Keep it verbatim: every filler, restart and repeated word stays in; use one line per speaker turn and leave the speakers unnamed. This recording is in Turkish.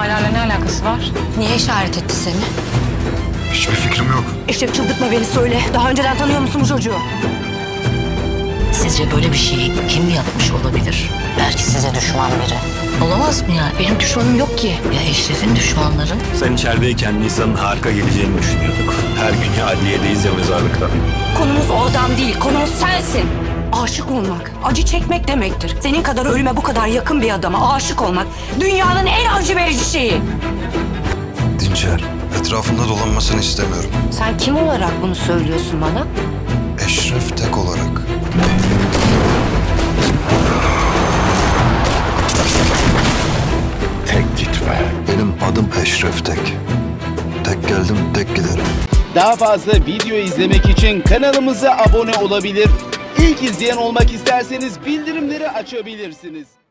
olaylarla ne alakası var?
Niye işaret etti seni?
Hiçbir fikrim yok.
Eşref çıldırtma beni, söyle. Daha önceden tanıyor musun bu çocuğu?
Sizce böyle bir şeyi kim yapmış olabilir? Belki size düşman biri. Olamaz mı ya? Benim düşmanım yok ki. Ya Eşref'in düşmanları?
Sen içerideyken Nisan'ın harika geleceğini düşünüyorduk. Her gün ya adliyedeyiz ya mezarlıkta.
Konumuz o adam değil, konumuz sensin. Aşık olmak, acı çekmek demektir. Senin kadar ölüme bu kadar yakın bir adama aşık olmak dünyanın en acı verici şeyi.
Dinçer, etrafında dolanmasını istemiyorum.
Sen kim olarak bunu söylüyorsun bana?
Eşref Tek olarak.
Tek gitme.
Benim adım Eşref Tek. Tek geldim, tek giderim.
Daha fazla video izlemek için kanalımıza abone olabilir. İlk izleyen olmak isterseniz bildirimleri açabilirsiniz.